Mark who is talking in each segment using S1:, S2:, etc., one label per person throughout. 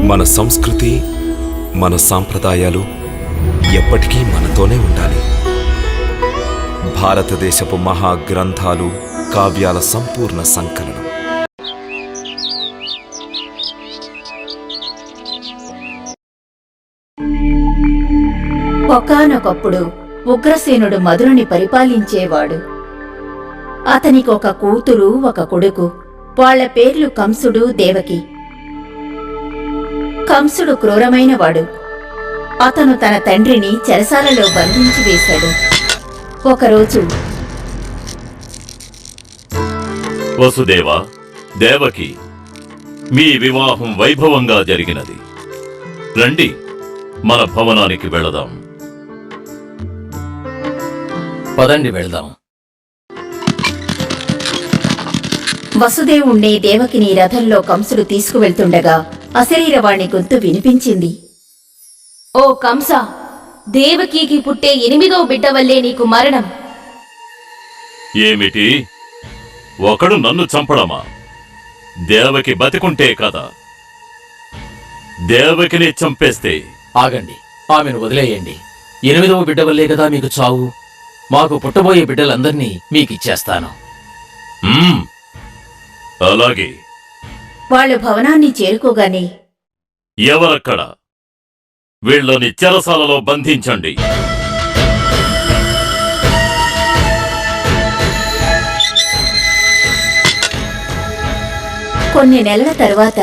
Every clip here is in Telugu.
S1: మన సంస్కృతి, మన సాంప్రదాయాలు ఎప్పటికీ మనతోనే ఉండాలి. భారతదేశపు మహా గ్రంథాలు, కావ్యాల సంపూర్ణ సంకలనం.
S2: ఒకానొకప్పుడు ఉగ్రసేనుడు మధురని పరిపాలించేవాడు. అతనికి ఒక కూతురు, ఒక కొడుకు. వాళ్ల పేర్లు కంసుడు, దేవకి. కంసుడు క్రూరమైనవాడు. అతను తన తండ్రిని చెరసాలలో బంధించి వేశాడు. ఒకరోజు,
S3: వసుదేవ, దేవకి, మీ వివాహం వైభవంగా జరిగినది. రండి, మన భవనానికి వెళదాం.
S4: పదండి వెళ్దాం.
S2: వసుదేవుణ్ణి, దేవకిని రథంలో కంసుడు తీసుకువెళ్తుండగా అశరీరవాణి గొంతు వినిపించింది.
S5: ఓ కంస, దేవకీకి పుట్టే 8వ బిడ్డ వల్లే నీకు మరణం.
S3: ఏమిటి? ఒకడు నన్ను చంపడమా? దేవకి బతికుంటే కదా. దేవకిని చంపేస్తే
S4: ఆగండి, ఆమెను వదిలేయండి. 8వ బిడ్డ వల్లే కదా మీకు చావు. మాకు పుట్టబోయే బిడ్డలందర్నీ మీకిచ్చేస్తాను.
S3: అలాగే.
S2: వాళ్లు భవనాన్ని చేరుకోగానే,
S3: ఎవరక్కడ? వీళ్ళని చెరసాలలో బంధించండి.
S2: కొన్ని నెలల తరువాత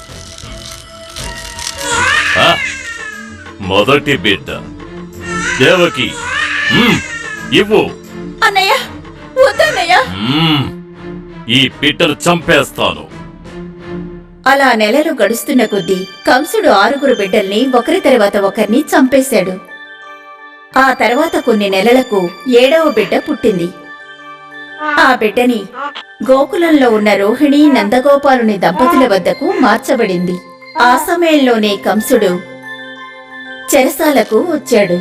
S3: మొదటి బిడ్డ దేవకి. ఇవ్వు.
S2: అన్నయ్య, వద్దన్నయ్య.
S3: ఈ బిడ్డను చంపేస్తాను.
S2: అలా నెలలు గడుస్తున్న కొద్దీ కంసుడు 6 బిడ్డల్ని ఒకరి తర్వాత ఒకరిని చంపేశాడు. ఆ తర్వాత కొన్ని నెలలకు 7వ బిడ్డ పుట్టింది. ఆ బిడ్డని గోకులంలో ఉన్న రోహిణి, నందగోపాలుని దంపతుల వద్దకు మార్చబడింది. ఆ సమయంలోనే కంసుడు చెరసాలకు వచ్చాడు.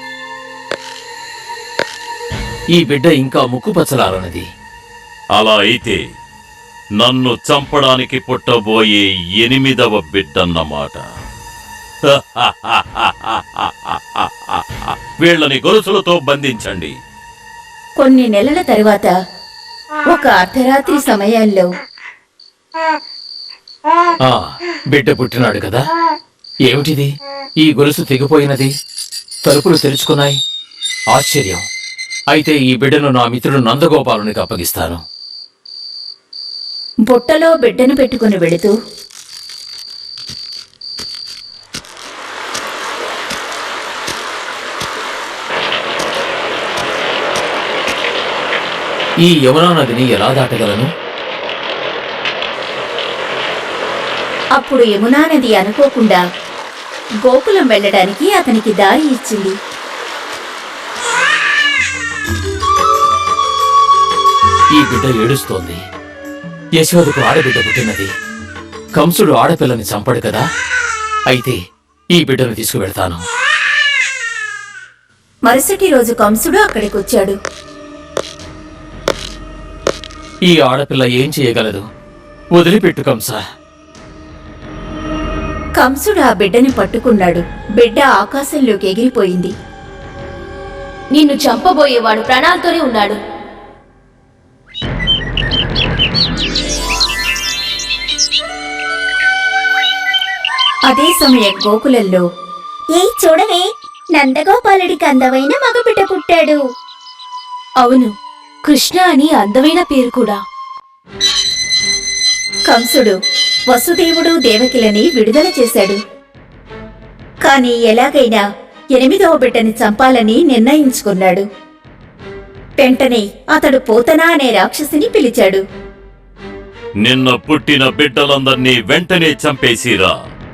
S4: ఈ బిడ్డ ఇంకా ముక్కుపచ్చలారన్నది.
S3: అలా అయితే నన్ను చంపడానికి పుట్టబోయే 8వ బిడ్డన్నమాట. వీళ్ళని గొలుసులతో బంధించండి.
S2: కొన్ని నెలల తరువాత ఒక అర్ధరాత్రి సమయంలో,
S4: బిడ్డ పుట్టినాడు కదా. ఏమిటిది? ఈ గొలుసు తెగిపోయినది, తలుపులు తెరుచుకున్నాయి. ఆశ్చర్యం. అయితే ఈ బిడ్డను నా మిత్రుడు నందగోపాలునికి అప్పగిస్తాను.
S2: బుట్టలో బిడ్డను పెట్టుకుని వెళుతూ,
S4: ఈ యమునా నదిని ఎలా దాటగలను?
S2: అప్పుడు యమునా నది అనుకోకుండా గోకులం వెళ్ళడానికి అతనికి దారి ఇచ్చింది.
S4: ఈ బిడ్డ ఏడుస్తోంది. యశోదకు ఆడబిడ్డ పుట్టినది. కంసుడు ఆడపిల్లని చంపడు కదా. అయితే ఈ బిడ్డను తీసుకువెళ్తాను.
S2: మరుసటి రోజు కంసుడు అక్కడికొచ్చాడు.
S4: ఈ ఆడపిల్ల ఏం చేయగలదు? వదిలిపెట్టు కంస.
S2: కంసుడు ఆ బిడ్డని పట్టుకున్నాడు. బిడ్డ ఆకాశంలోకి ఎగిరిపోయింది.
S5: నిన్ను చంపబోయేవాడు ప్రాణాలతోనే ఉన్నాడు.
S2: అదే సమయం గోకులంలో, ఏయ్ చూడవే, నందగోపాలుడికి అందమైన మగబిడ్డ పుట్టాడు.
S5: అవును, కృష్ణ అని అందమైన పేరు కూడా.
S2: కంసుడు వసుదేవుడు, దేవకిలని విడుదల చేశాడు. కాని ఎలాగైనా 8వ బిడ్డని చంపాలని నిర్ణయించుకున్నాడు. వెంటనే అతడు పోతనా అనే రాక్షసిని పిలిచాడు.
S3: నిన్న పుట్టిన బిడ్డలందర్నీ వెంటనే చంపేసిరా.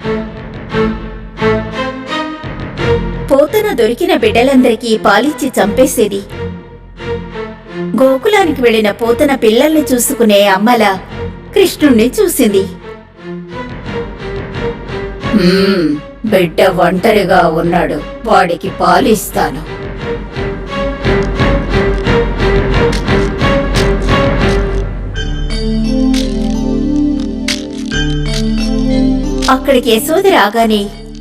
S2: పోతన దొరికిన బిడ్డలందరికీ పాలిచ్చి చంపేసేది. గోకులానికి వెళ్లిన పోతన పిల్లల్ని చూసుకునే అమ్మల కృష్ణుణ్ణి చూసింది. బిడ్డ ఒంటరిగా ఉన్నాడు, వాడికి పాలిస్తాను. అక్కడికి యశోద రాగానే,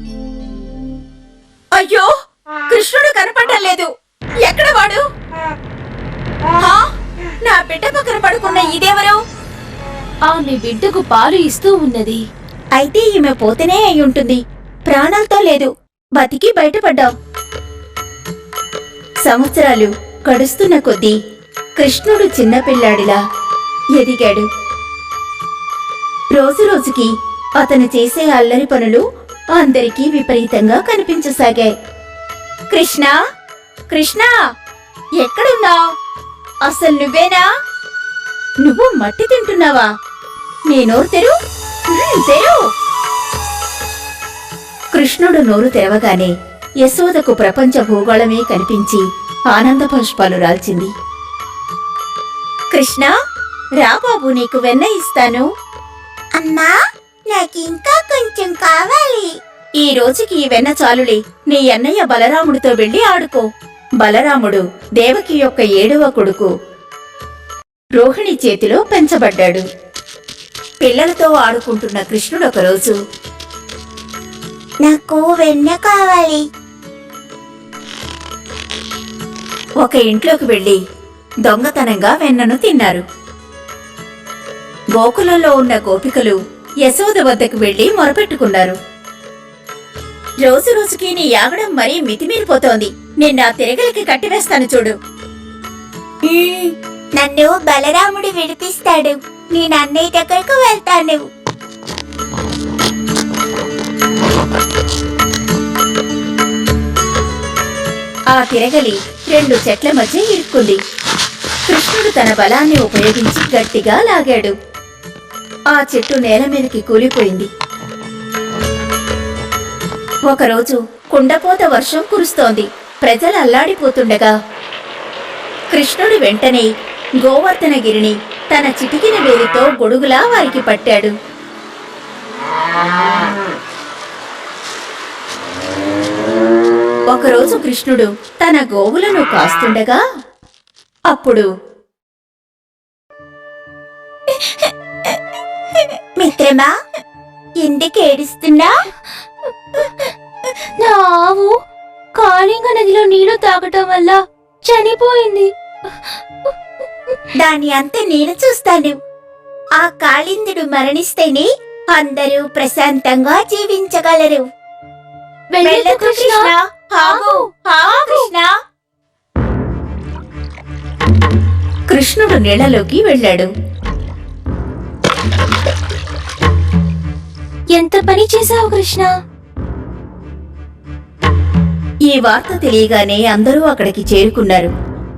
S2: అయ్యో, కృష్ణుడు కనపడటం లేదు, ఎక్కడ వాడు? హా? నా బిడ్డ పక్కన పడుకున్న ఇదెవరు?
S5: ఆమె బిడ్డకు పాలు ఇస్తూ ఉన్నది.
S2: అయితే ఈమె పోతేనే అయి ఉంటుంది. ప్రాణాలతో లేదు, బతికి బయటపడ్డాం. సంవత్సరాలు గడుస్తున్న కొద్దీ కృష్ణుడు చిన్నపిల్లాడిలా ఎదిగాడు. రోజురోజుకి అతను చేసే అల్లరి పనులు అందరికీ విపరీతంగా కనిపించసాగాయి. కృష్ణ, కృష్ణ, ఎక్కడున్నావ్? అసలు నువ్వేనా? నువ్వు మట్టి తింటున్నావా? నీ నోరు తెరు, తెరు. కృష్ణుడు నోరు తెరవగానే యశోదకు ప్రపంచ భూగోళమే కనిపించి ఆనంద పుష్పాలు రాల్చింది. కృష్ణ, రా బాబు, నీకు వెన్న ఇస్తాను. అమ్మా, నాకింకా కొంచెం కావాలి. ఈ రోజుకి ఈ వెన్న చాలులే. నీ అన్నయ్య బలరాముడితో వెళ్లి ఆడుకో. బలరాముడు దేవకి యొక్క 7వ కొడుకు. రోహిణి చేతిలో పెంచబడ్డాడు. పిల్లలతో ఆడుకుంటున్న కృష్ణుడు ఒకరోజు, నాకు వెన్న కావాలి. ఒక ఇంట్లోకి వెళ్లి దొంగతనంగా వెన్నను తిన్నారు. గోకులంలో ఉన్న గోపికలు యశోద వద్దకు వెళ్లి మొరపెట్టుకున్నారు. రోజు రోజుకి నీ యాగడం మరీ మితిమీరిపోతోంది. నిన్న తిరగలికి కట్టివేస్తాను చూడు. నన్ను బలరాముడు విడిపిస్తాడు. నేను అన్నయ్య దగ్గరకు వెళ్తాను. ఆ తిరగలి 2 చెట్ల మధ్య ఇరుక్కుంది. కృష్ణుడు తన బలాన్ని ఉపయోగించి గట్టిగా లాగాడు. ఆ చెట్టు నేల మీదకి కూలిపోయింది. ఒకరోజు కుండపోత వర్షం కురుస్తోంది. ప్రజలు అల్లాడిపోతుండగా కృష్ణుడు వెంటనే గోవర్ధనగిరిని తన చిటికిన వేలితో గొడుగులా వారికి పట్టాడు. ఒకరోజు కృష్ణుడు తన గోవులను కాస్తుండగా అప్పుడు, మిత్రమా, ఎందుకు ఏడుస్తున్నా?
S5: నా ఆవు కాళింగ నదిలో నీళ్లు తాగటం వల్ల చనిపోయింది.
S2: దాని అంత నేను చూస్తాను. ఆ కాళిందుడు మరణిస్తేనే అందరూ ప్రశాంతంగా జీవించగలరు. వెళ్ళకు కృష్ణ, ఆగు, ఆగు కృష్ణ. కృష్ణుడు నీళ్లలోకి వెళ్ళాడు.
S5: ఎంత పని చేశావు కృష్ణ?
S2: ఈ వార్త తెలియగానే అందరూ అక్కడికి చేరుకున్నారు.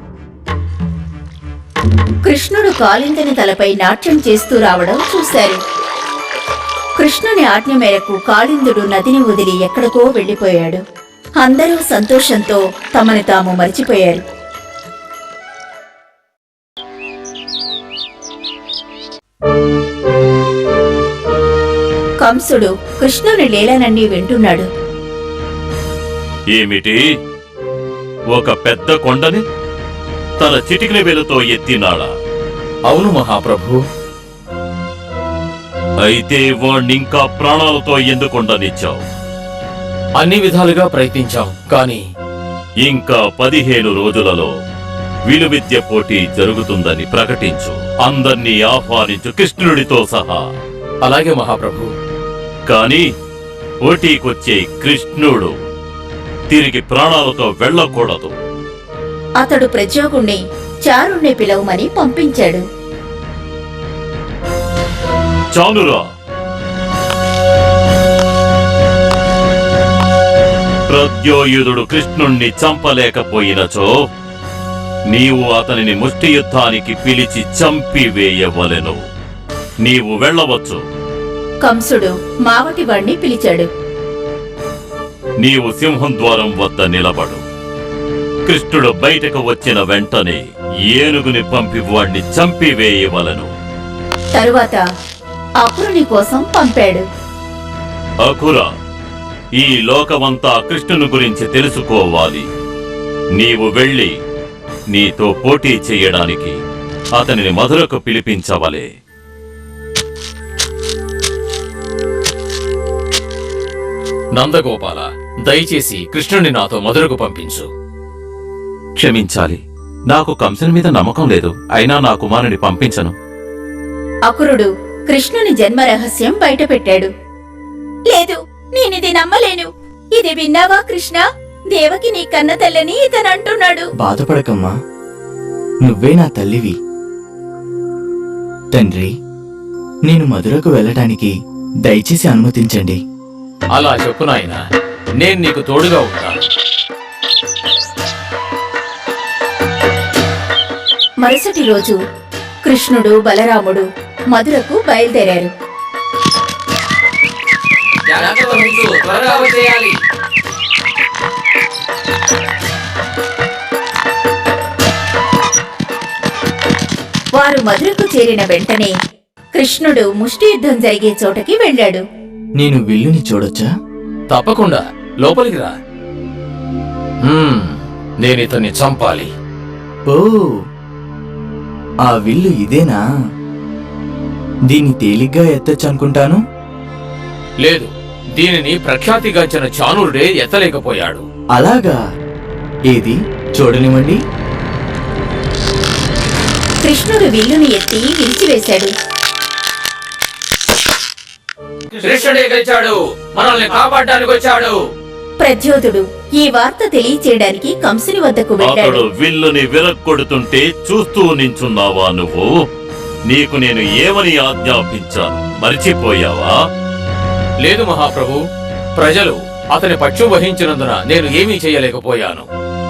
S2: కృష్ణుడు కాళిందుని తలపై నాట్యం చేస్తూ రావడం చూశారు. కృష్ణుని ఆజ్ఞ మేరకు కాళిందుడు నదిని వదిలి ఎక్కడికో వెళ్లిపోయాడు. అందరూ సంతోషంతో తమని తాము మరిచిపోయారు. కంసుడు కృష్ణుని లీలనన్నీ వింటున్నాడు.
S3: ఏమిటి? ఒక పెద్ద కొండని తన చిటికిన వేలుతో ఎత్తినాడా?
S4: అవును మహాప్రభు.
S3: అయితే వాణ్ణింకా ప్రాణాలతో ఎందుకుండనిచ్చావు?
S4: అన్ని విధాలుగా ప్రయత్నించాం, కానీ
S3: ఇంకా 15 రోజులలో విలువిద్య పోటీ జరుగుతుందని ప్రకటించు. అందర్నీ ఆహ్వానించు, కృష్ణుడితో సహా.
S4: అలాగే మహాప్రభు.
S3: కాని పోటీకొచ్చే కృష్ణుడు తిరిగి ప్రాణాలతో వెళ్ళకూడదు.
S2: అతడు ప్రజోగుణ్ణి చారుణ్ణి పిలవమని పంపించాడు.
S3: చాలురా. ప్రద్యోయుధుడు కృష్ణుణ్ణి చంపలేకపోయినచో నీవు అతనిని ముష్టి యుద్ధానికి పిలిచి చంపివేయవలెను. నీవు వెళ్ళవచ్చు.
S2: కంసుడు మావటివాణ్ణి పిలిచాడు.
S3: నీవు సింహం ద్వారం వద్ద నిలబడు. కృష్ణుడు బయటకు వచ్చిన వెంటనే ఏనుగుని పంపి వాణ్ణి చంపివేయవలను.
S2: తరువాత అపురుని కోసం పంపాడు.
S3: అఖుర, ఈ లోకమంతా కృష్ణుని గురించి తెలుసుకోవాలి. నీవు వెళ్ళి నీతో పోటీ చెయ్యడానికి అతనిని మధురకు పిలిపించవలే.
S4: నందగోపాల, దయచేసి కృష్ణుని నాతో మధురకు పంపించు.
S3: క్షమించాలి, నాకు కంసుని మీద నమ్మకం లేదు. అయినా నా కుమారుని పంపించను.
S2: అకురుడు కృష్ణుని జన్మ రహస్యం బయటపెట్టాడు. లేదు, నేనిది నమ్మలేను. ఇది విన్నావా కృష్ణ? దేవకి నీ కన్న తల్లని ఇతనంటున్నాడు.
S6: బాధపడకమ్మా, నువ్వే నా తల్లివి. తండ్రి, నేను మధురకు వెళ్ళటానికి దయచేసి అనుమతించండి.
S4: అలా చెప్పు నాయనా, నేను నీకు తోడుగా ఉంటాను.
S2: మరుసటి రోజు కృష్ణుడు బలరాముడు మధురకు బయలుదేరారు. వారు మధురకు చేరిన వెంటనే కృష్ణుడు ముష్టి యుద్ధం జరిగే చోటకి వెళ్ళాడు.
S6: నేను విల్లుని చూడొచ్చా?
S4: తప్పకుండా, లోపలికి రా. నేనితన్ని చంపాలి.
S6: ఓ, ఆ విల్లు ఇదేనా? దీన్ని తేలిగ్గా ఎత్తొచ్చనుకుంటాను.
S4: లేదు, దీనిని ప్రఖ్యాతిగాంచిన చాణూరుడే ఎత్తలేకపోయాడు.
S6: అలాగా? ఏది చూడనివ్వండి.
S2: కృష్ణుడు విల్లుని ఎత్తి విరిచివేశాడు.
S4: కృష్ణుడే గెలిచాడు, మనల్ని కాపాడడానికి వచ్చాడు.
S2: ప్రద్యోధుడు ఈ వార్త తెలియచేయడానికి కంసుని వద్దకు వెళ్ళాడు.
S3: అతడు విల్లుని విరక్కొడుతుంటే చూస్తూ నించున్నావా నువ్వు? నీకు నేను ఏమని ఆజ్ఞాపించాను, మరిచిపోయావా?
S4: లేదు మహాప్రభు, ప్రజలు అతని పక్షం వహించినందున నేను ఏమీ చేయలేకపోయాను.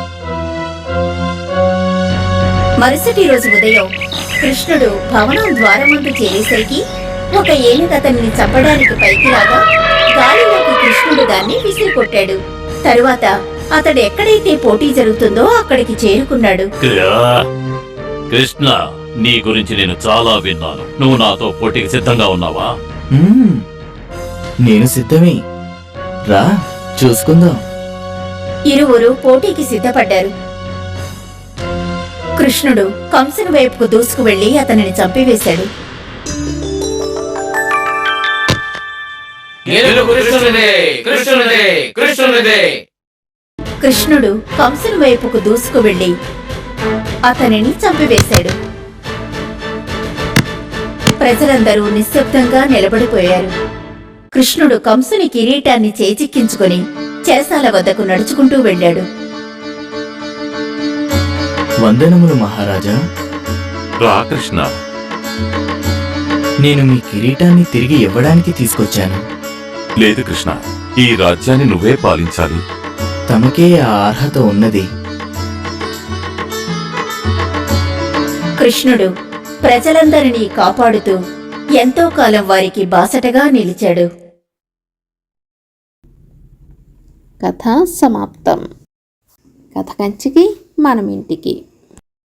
S2: మరుసటి రోజు ఉదయం కృష్ణుడు భవనం ద్వారం ముందు చేరేసరికి ఒక ఏనుగు అతన్ని చంపడానికి పైకి రాగా గాలిలోకి కృష్ణుడు దాన్ని విసిరికొట్టాడు. తరువాత అతడు ఎక్కడైతే పోటీ జరుగుతుందో అక్కడికి చేరుకున్నాడు.
S3: కృష్ణ, నీ గురించి నేను చాలా విన్నాను. నువ్వు నాతో పోటీకి సిద్ధంగా ఉన్నావా?
S6: నేను సిద్ధమే. రా, చూసుకుందాం.
S2: ఇరువురు పోటీకి సిద్ధపడ్డారు. కృష్ణుడు కంసుని వైపుకు దూసుకు వెళ్లి అతనిని చంపివేశాడు. కృష్ణుడు కంసుని వైపుకు దూసుకు వెళ్లి అతనిని చంపివేశాడు. ప్రజలందరూ నిశ్శబ్దంగా నిలబడిపోయారు. కృష్ణుడు కంసుని కిరీటాన్ని చేజిక్కించుకుని చెరసాల వద్దకు నడుచుకుంటూ వెళ్ళాడు.
S6: వందనములు మహారాజా.
S3: రా కృష్ణ.
S6: నేను మీ కిరీటాన్ని తిరిగి ఇవ్వడానికి తీసుకొచ్చాను.
S1: లేదు కృష్ణ, ఈ రాజ్యాన్ని నువ్వే పాలించాలి.
S6: తమకే ఆ అర్హత ఉన్నది.
S2: కృష్ణుడు ప్రజలందరినీ కాపాడుతూ ఎంతో కాలం వారికి బాసటగా నిలిచాడు.
S7: కథ సమాప్తం. కథ కంచికి మనం ఇంటికి.